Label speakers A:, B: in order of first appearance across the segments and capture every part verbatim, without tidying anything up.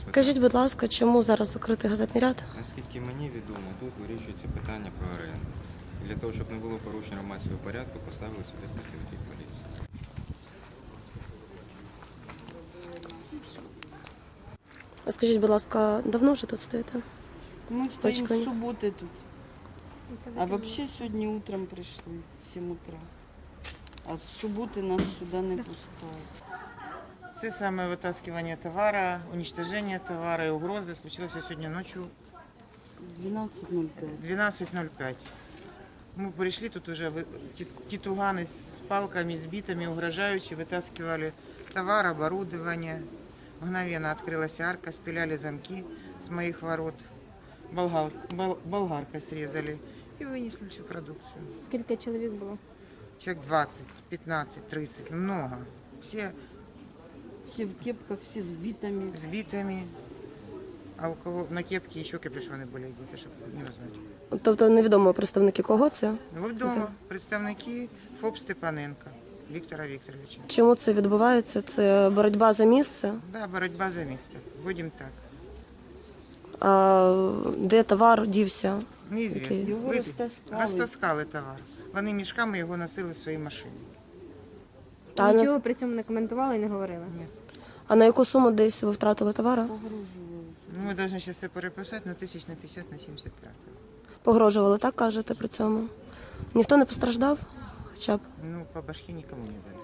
A: Скажіть, будь ласка, чому зараз закритий газетний ряд?
B: Наскільки мені відомо, тут вирішується питання про оренду. І для того, щоб не було порушень громадського порядку, поставили сюди працівників поліції.
A: А скажіть, будь ласка, давно вже тут стоїте?
C: Мы стоим
A: Очками.
C: с субботы тут. А вообще сегодня утром пришли, в семь утра. А с субботы нас сюда не пускают.
D: Це саме витаскування товара, уничтоження товару і угрози случилося сьогодні ночі
C: двенадцать ноль пять.
D: двенадцать ноль пять. Мы пришли, тут уже вы- ті- тітугани з палками, з битами, угрожаючи, витаскивали товар, оборудование. Мгновенно открылась арка, спиляли замки с моих ворот. Болгар, бол- болгаркой срезали и вынесли всю продукцию.
E: Скільки чоловік було?
D: Человек двадцать, пятнадцать, тридцать, много. Все
C: Все в кепках, все с битами.
D: с битами. А у кого на кепке еще капюшоны были одеты, чтобы не узнать.
A: Тобто невідомо представники кого це?
D: Ви вдома представники ФОП Степаненка Віктора Вікторовича.
A: Чому це відбувається? Це боротьба за місце?
D: Да, боротьба за місце. Будемо так.
A: А де товар дівся?
D: Неізвісно.
A: Окей.
C: Його
D: Ви-
C: розтаскали.
D: Розтаскали товар. Вони мішками його носили в своїй машині.
A: А
E: Нічого
A: на,
E: при цьому не коментували і не говорили?
A: а на яку суму десь ви втратили товара?
C: Погрожували.
D: Ну, ми повинні зараз все переписати, але тисяч на п'ятдесят, на сімдесят втратили.
A: Погрожували, так кажете при цьому? Ніхто не постраждав? Хоча б.
D: Ну, по башки нікому не дали.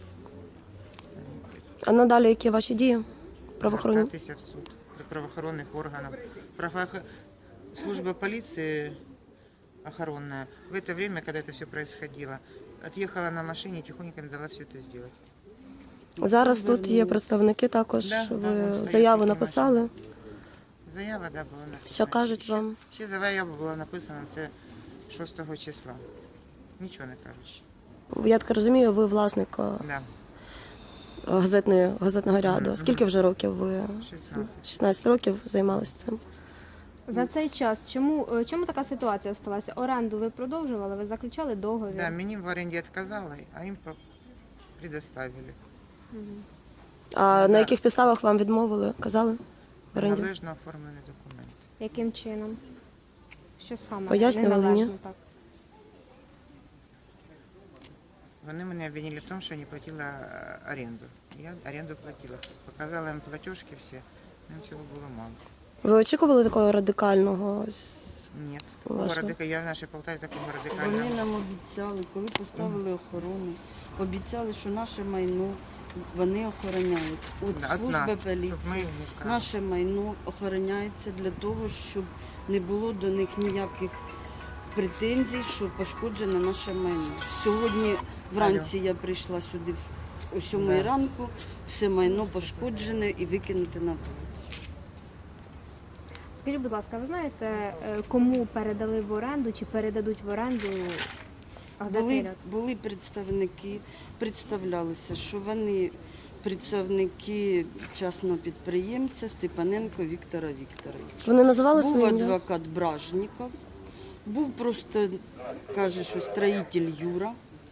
A: А надалі які ваші дії? Правоохоронні?
D: Звертатися в суд до правоохоронних органів. Правоохо- Служба полиции охоронная в это время, когда это все происходило, отъехала на машине и тихонько не дала все это сделать.
A: Зараз тут є представники також.
D: Да, да,
A: Ви
D: вон стоять
A: заяву
D: такі
A: написали.
D: Заява, да, була написана.
A: Що кажуть
D: Ще-
A: вам?
D: Ще заява була написана, це шостого числа. Нічого не кажуть.
A: Я так розумію, ви власник е,
D: Да,
A: газетної, газетного ряду.
D: Мгм,
A: Скільки вже років ви?
D: шістнадцять.
A: шістнадцять років займалися цим.
E: За цей час чому, е, чому така ситуація сталася? Оренду ви продовжували, ви заключали договір?
D: Да, мені в оренді відказали, а їм по- предоставили.
A: А
D: Да.
A: на яких підставах вам відмовили? Казали? В оренді?
D: Належно оформлені документи.
E: Яким чином? Що саме?
A: Пояснювали,
E: Неналежно,
A: ні?
E: так.
D: Вони мене обвинили в тому, що я не платила е, оренду. Я оренду платила. Показала їм платіжки всі, їм цього було мало.
A: Ви очікували такого радикального? с-
D: Ні,
A: Вашого?
D: такого радика... я в нашій Полтаві такого
C: Вони
D: радикального.
C: нам обіцяли, коли поставили охорону, обіцяли, що наше майно вони охороняють. От
D: Да, от
C: служба
D: нас, щоб ми
C: поліції,
D: не вкрали.
C: наше майно охороняється для того, щоб не було до них ніяких претензій, що пошкоджено наше майно. Сьогодні вранці я прийшла сюди в- о сьомій
D: Да.
C: ранку, все майно пошкоджене і викинуте на вулицю.
E: Скажіть, будь ласка, ви знаєте, е, кому передали в оренду чи передадуть в оренду газетний
C: Були,
E: ряд?
C: були представники, представлялися, що вони представники частного підприємця Степаненко Віктора Вікторовича.
A: Вони називали
C: Був
A: своє ім'я?
C: адвокат Бражніков, був просто, каже, що строїтель Юра.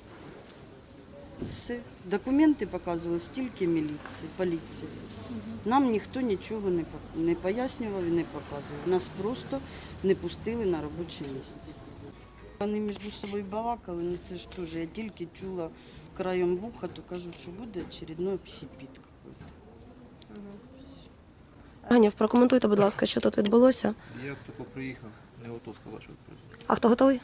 C: Все. Документи показували стільки міліції, поліції. Нам ніхто нічого не, по- не пояснював і не показував. Нас просто не пустили на робоче місце. Вони між собою балакали, ну це ж теж, я тільки чула краєм вуха, то кажуть, що буде очередной общепіт какой-то.
A: Ганів, прокоментуйте, будь ласка, що тут відбулося.
F: Я тільки приїхав, не готов сказати, що відбувається.
A: А хто готовий?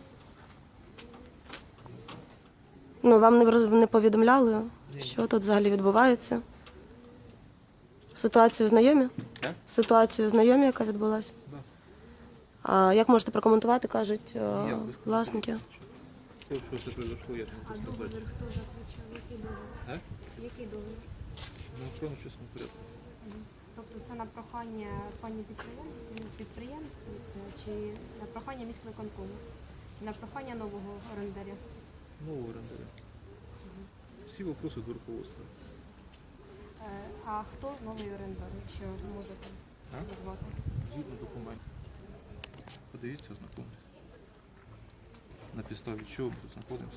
A: Ну, вам не, роз- не повідомляли, що тут взагалі відбувається? Ситуацію знайомі?
B: Так.
A: Ситуацію знайомі, яка відбулася?
F: Да.
A: А як можете прокоментувати, кажуть е,
F: Я би сказав,
A: власники?
F: Все, що це произошло, я не можу сказати. А?
E: Який договір?
F: Ну, охорону чесному порядку.
E: Тобто це на прохання пані підприєм- підприємця чи на прохання міськвиконкому? Чи на прохання нового орендаря?
F: Нового орендаря. Всі вопроси до руководства.
E: Е, А хто новий орендар, якщо ви можете
F: А?
E: назвати?
F: Згідно документів. Подивіться, ознакомтесь. На підставі чого ми тут знаходимося.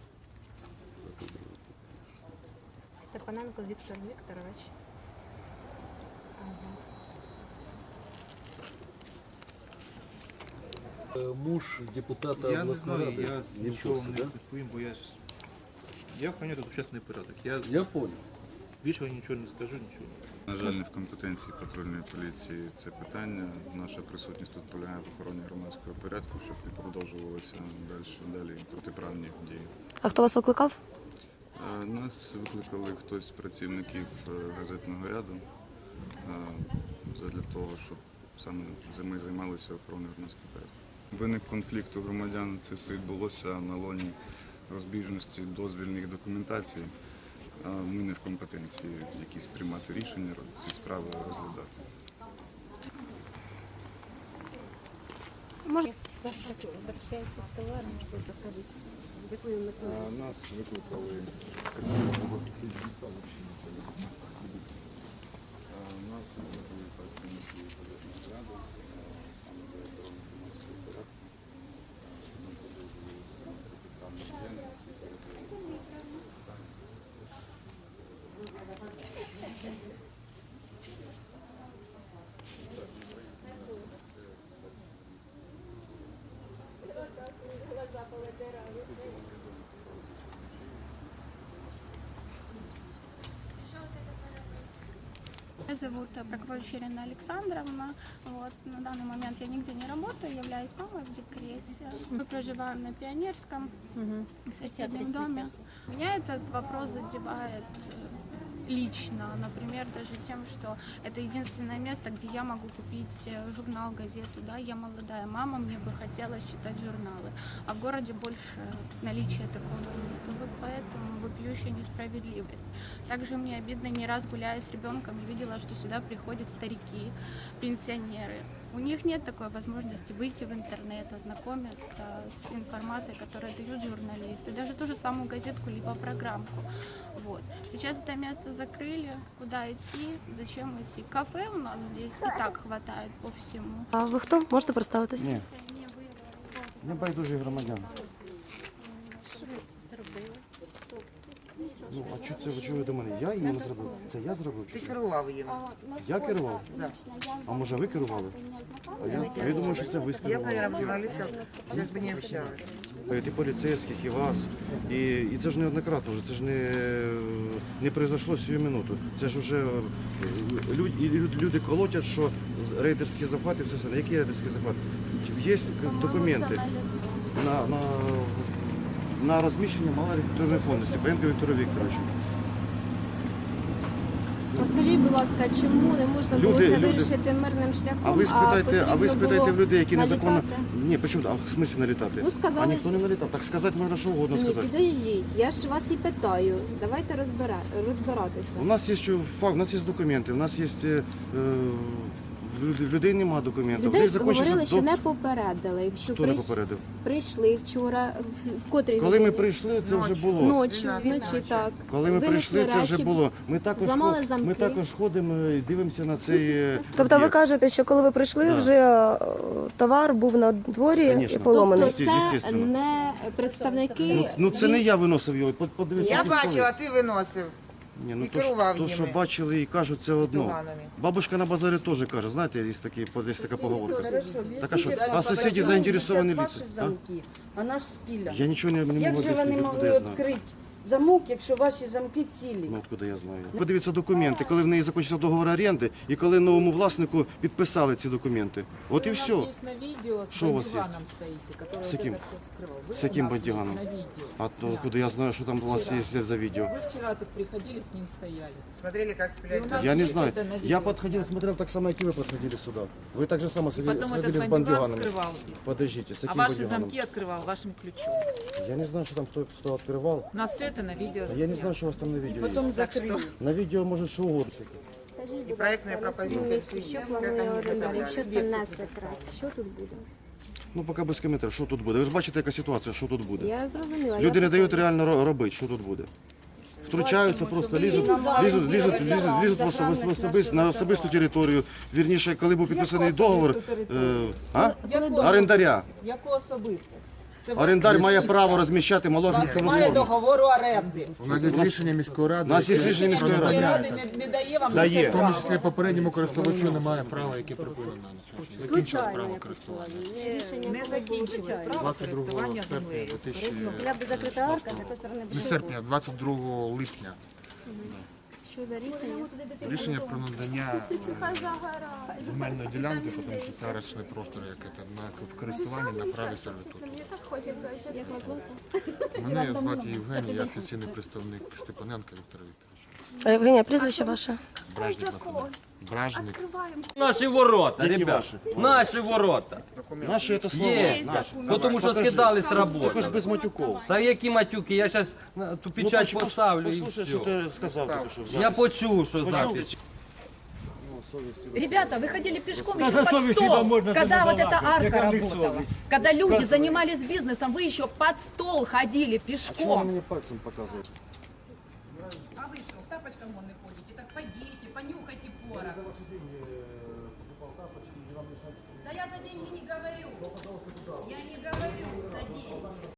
E: Степаненко Віктор Вікторович.
G: Е, Муж депутата
F: Я не
G: обласної
F: знаю,
G: ради.
F: я
G: Не в
F: нічого
G: курсі,
F: вам
G: да?
F: не відповім, бо я ж... Я охороняю тут общественний порядок. Я,
G: Я понял.
F: більше нічого не скажу, нічого.
H: На жаль, не в компетенції патрульної поліції це питання. Наша присутність тут полягає в охороні громадського порядку, щоб не продовжувалися далі, далі протиправні дії.
A: А хто вас викликав?
H: Е, Нас викликали хтось з працівників е, газетного ряду е, для того, щоб саме ми займалися охороною громадського порядку. Виник конфлікт у громадян, це все відбулося на лоні розбіжності дозвільних документацій. А ми не в компетенції якісь приймати рішення, ці справи розглядати.
A: Може,
I: Обращается с товаром, что расскажите. З якою метою?
H: А, Нас викликали працівники. А, Нас викликали працівники газетного ряду, саме для охорони громадського порядку. Ми продовжувалися протиправні діяльності.
J: Меня зовут Прокопьевич Ирина Александровна. Вот, на данный момент я нигде не работаю, являюсь мамой в декрете. Мы проживаем на Пионерском, в соседнем доме. Меня этот вопрос задевает э, лично, например, даже тем, что это единственное место, где я могу купить э, журнал, газету. Да? Я молодая мама, мне бы хотелось читать журналы. А в городе больше наличия такого нет. Вот поэтому вопиющая несправедливость. Также мне обидно, не раз гуляя с ребенком, я видела, что сюда приходят старики, пенсионеры. У них нет такой возможности выйти в интернет, ознакомиться с информацией, которую дают журналисты, даже ту же самую газетку либо программку. Вот. Сейчас это место закрыли. Куда идти? Зачем идти? Кафе у нас здесь и так хватает по всему.
A: а ви хто? Можете представитись?
K: Ні, не байдужі громадяни. Ну, а що це ви чого до мене? Я її не зробив? Це я зробив?
D: Ти
K: Чи що?
D: керував їм.
K: Я керував?
D: Да.
K: А може ви керували? А я, а я думаю, що це ви
D: Я,
K: керували.
D: наверное, журналистов сейчас бы не общалась.
K: І поліцейських, і вас. І, і це ж неоднократно вже, це ж не, не произошло сію минуту. Це ж вже люди, люди колотять, що рейдерські захвати, все це. Які рейдерські захвати? Є документи на, на, на розміщення малореферної фонду Степаненка Віктора Вікторовича.
I: Скажіть, будь ласка, чому не можна було
K: Люди-
I: це
K: люди-
I: вирішити мирним шляхом?
K: А ви спитайте, а ви
I: потрібно
K: спитайте
I: було
K: в людей, які незаконно.
I: налітати?
K: Ні, почому? А в смислі налітати?
I: Ну, сказали,
K: а ніхто не налітав. Так сказати можна що угодно
I: Ні,
K: сказати.
I: підождіть, я ж вас і питаю. Давайте розбира... розбиратися.
K: У нас є що факт, у нас є документи, у нас є е, в людей немає документів.
I: Людей
K: Їх закінчиться
I: говорили, що
K: до-
I: не попередили. Що
K: Хто не
I: прийш-
K: попередив?
I: прийшли вчора, в, в котрій
K: Коли ми
I: годині?
K: прийшли, це вже
D: Ночі.
K: було.
I: Ночі,
D: дванадцять
I: вночі,
D: ночі.
I: так.
K: Коли ми
I: Винесли
K: прийшли, це вже
I: речі,
K: було. Ми також,
I: зламали
K: ход- ми
I: замки.
K: також ходимо і дивимося на цей е,
A: Тобто ви
K: об'єкт.
A: кажете, що коли ви прийшли,
K: Да.
A: вже е, товар був на дворі
K: Конечно.
A: і поломаний.
I: Тобто це
K: Естественно.
I: не представники...
K: Ну, ну це не я виносив його. Под- Подивіться.
D: Я
K: ті столи.
D: бачила, ти виносив.
K: Ні, ну
D: і
K: то, ж-
D: керував
K: то, що
D: ними.
K: бачили і кажуть, це одно.
D: Туганами.
K: Бабушка на базарі теж каже, знаєте, є, такі, є така поговорка. Так а що,
C: Сусіди
K: а сусіді
C: попросили
K: заінтересовані
C: взяти
K: лица?
C: ваші
K: А?
C: замки, а наш спіля.
K: Я нічого не, не
C: Як
K: можу
C: же вони
K: об'яснити,
C: могли
K: откуда я знаю.
C: відкрити замок, якщо ваші замки цілі?
K: Ну, откуда я знаю. Подивіться документи, коли в неї закінчився договор оренди і коли новому власнику підписали ці документи. От і все.
L: есть на видео с
K: Что у вас есть?
L: бандюганом стоите, который
K: С
L: вот
K: каким?
L: это все вскрывал. Вы
K: С
L: у
K: каким
L: нас
K: бандюганом?
L: есть на видео.
K: А то
L: снято.
K: откуда я знаю, що там у вас
L: Вчера.
K: є за відео?
L: Вы вчера тут приходили, с ним стояли.
D: Смотрели, как
L: И
D: спиляют
L: у
D: замки.
L: нас
K: Я не
L: есть
K: знаю.
L: это на
K: Я
L: видео
K: подходил,
L: снято.
K: смотрел так само, как и вы подходили сюда. Вы так же само
L: И
K: сходили,
L: потом
K: сходили
L: этот
K: с
L: бандюган
K: бандюганами.
L: скрывал здесь.
K: Подождите, с
L: А
K: каким
L: ваши
K: бандюганом?
L: замки открывал вашим ключом.
K: Я не знаю, что там кто, кто открывал.
L: У нас все это на видео
K: Я не
L: заснято.
K: знаю, что у вас там на видео
C: Потім
K: есть.
C: закрили.
K: На видео может что угодно.
I: Скажіть,
D: І проектна пропозиція всі є,
I: що
D: як
I: планує
D: вони
I: орендар,
D: виготовляють.
I: якщо це не секрет, що тут буде?
K: Ну, поки без коментарів, що тут буде. Ви ж бачите, яка ситуація, що тут буде.
I: Я зрозуміла.
K: Люди
I: я
K: не дають
I: питаю.
K: реально ро- робити, що тут буде. Втручаються просто, лізуть,
I: Чим зараз
K: лізуть,
I: буде
K: лізуть, лізуть,
I: ресторан
K: лізуть в
I: державних
K: особис- в особис-
I: наших
K: на особисту територію. Вірніше, коли був підписаний
L: Яку
K: договор,
L: особисту територію?
K: е, а?
L: Яку
K: орендаря.
L: Яку особисту? Це власне
K: Орендар має
L: міська.
K: право розміщати
L: У вас
K: малогірську
L: немає
K: форму.
L: договору оренди.
G: У нас є рішення міської ради.
K: У нас є
G: яке
K: рішення міської
L: Міської
K: ради.
L: ради не, не дає вам
K: Дає.
L: це
G: В тому
L: право.
G: числі попередньому користувачу немає права, яке припинено на сьогодні. Закінчилось право користування.
L: Не закінчилось право
G: двадцять другого
L: користування
G: серпня
L: землею.
G: дві тисячі
I: Я бы закрыта арка, с такой стороны
G: не
I: бы
G: серпня, двадцять другого липня.
I: Що за рішення?
G: Рішення про надання е, земельної ділянки, тому що це арештний простор, як це, на користування на праві сервітуту.
I: Як вас звати?
G: Мене звати Євгеній, я офіційний представник Степаненка Віктора Вікторовича.
A: А Євгенія, прізвище ваше?
G: Бражник на фамілію. Бражник.
M: Наші ворота,
K: Які
M: ребят.
K: ваші?
M: Наші ворота.
K: Наші це слово.
M: Є.
K: Наші.
M: Ну, тому що
K: Покажи.
M: скидали з
K: Також
M: роботи.
K: без матюков.
M: Та які матюки, я зараз ту печать
K: Ну,
M: поставлю і
K: послухай,
M: все.
K: що ти сказав, тільки що в
M: Я
K: записі.
M: почув, що
K: Почув?
M: запись.
I: Ребята, вы ходили пешком еще под стол, когда вот эта арка работала. Когда люди занимались бизнесом, вы еще под стол ходили
K: А чого ви
I: пешком.
K: мені пальцем показуєте?
I: А вы что, в тапочках вон не ходите? Так пойдите, понюхайте порох. Да я за деньги не говорю. Я не говорю за деньги.